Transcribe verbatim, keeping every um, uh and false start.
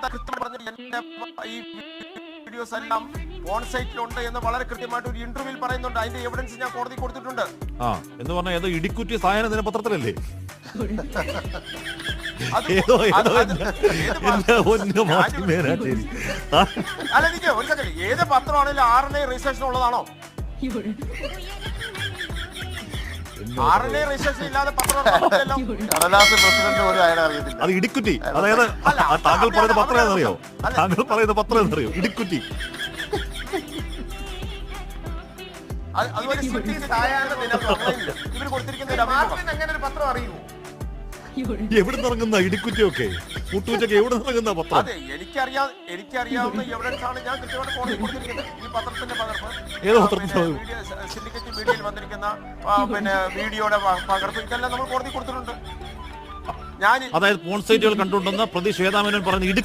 കൃത്യം പറഞ്ഞു എന്റെ ഈ വീഡിയോസ് എല്ലാം ഓൺ സൈറ്റിലുണ്ട് എന്ന് വളരെ കൃത്യമായിട്ട് ഒരു ഇന്റർവ്യൂവിൽ പറയുന്നുണ്ട്. അതിന്റെ എവിഡൻസ് ഞാൻ കോടതി കൊടുത്തിട്ടുണ്ട്. ആ എന്ന് പറഞ്ഞാൽ ഏതോ ഇടിക്കുറ്റി സായന ദിനപത്രത്തിലല്ലേ? ഏതോ ഏതോ മാധ്യമേനാശേരി. അല്ല എനിക്ക് ഒരു സെക്കൻഡ്, ഏത് പത്രമാണെങ്കിലും ആർ എൻ ഐ രജിസ്ട്രേഷൻ ഉള്ളതാണോ? ആർ എൻ ഐ രജിസ്ട്രേഷൻ ഇല്ലാതെ പത്രം കടലാസ് പ്രസിഡന്റ് പോലും അയാളെ അറിയത്തില്ല. അത് ഇടിക്കുറ്റി. അതായത് താങ്കൾ പറയുന്ന പത്രം എന്നറിയോ? താങ്കൾ പറയുന്ന പത്രം എന്നറിയോ? ഇടിക്കുറ്റി. അതുപോലെ ഇവർ കൊടുത്തിരിക്കുന്ന അങ്ങനെ ഒരു പത്രം അറിയുമോ? എവിടെ നിറങ്ങുന്ന ഇടിക്കുറ്റിയൊക്കെ മുട്ടൂറ്റൊക്കെ എവിടെ നിറങ്ങുന്ന പത്രം? അതെ, എനിക്കറിയാ എനിക്കറിയാവുന്ന എവിഡൻസ് ആണ് ഞാൻ കൃത്യമായിട്ട് കോടതി കൊടുത്തിരിക്കുന്നത്. ഈ പത്രത്തിന്റെ പകർപ്പ്, ഏത് പത്രത്തിന്റെ സിൻഡിക്കേറ്റ് മീഡിയയിൽ വന്നിരിക്കുന്ന പിന്നെ വീഡിയോയുടെ പകർപ്പ്, ഇതെല്ലാം നമ്മൾ കോടതി കൊടുത്തിട്ടുണ്ട്. ഞാൻ അതായത് പോൺ സൈറ്റുകൾ കണ്ടുകൊണ്ടെന്ന് പ്രതി ശ്വേതാമേനോൻ പറഞ്ഞ